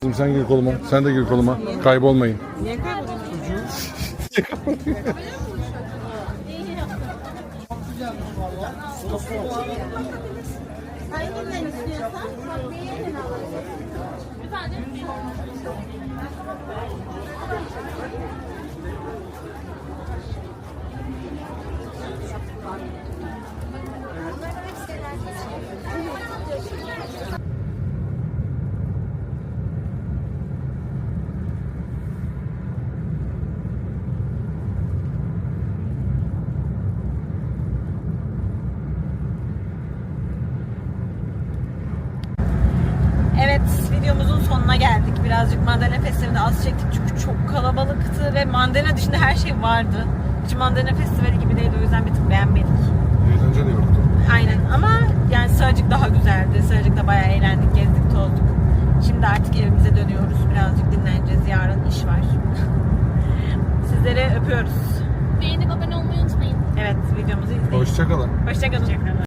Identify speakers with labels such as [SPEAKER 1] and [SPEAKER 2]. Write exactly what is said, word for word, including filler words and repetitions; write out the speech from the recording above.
[SPEAKER 1] Sen gir koluma. Sen de gir koluma. Kaybolmayın.
[SPEAKER 2] Niye kayboluyorsun?
[SPEAKER 3] Hanginden istiyorsan beğenin alalım.
[SPEAKER 2] Evet, videomuzun sonuna geldik. Birazcık mandalina festivalinde az çektik çünkü çok kalabalıktı ve mandalina dışında her şey vardı. Hiç mandalina festivali gibi değildi, o yüzden bir tık beğenmedik.
[SPEAKER 1] Eğlence de yoktu.
[SPEAKER 2] Aynen ama yani Sığacık daha güzeldi. Sığacık'ta bayağı eğlendik, gezdik, tozduk. Şimdi artık evimize dönüyoruz. Birazcık dinleneceğiz. Yarın iş var. Sizleri öpüyoruz.
[SPEAKER 3] Beğenip abone olmayı unutmayın.
[SPEAKER 2] Evet, videomuzu izleyin.
[SPEAKER 1] Hoşçakalın.
[SPEAKER 2] Hoşçakalın.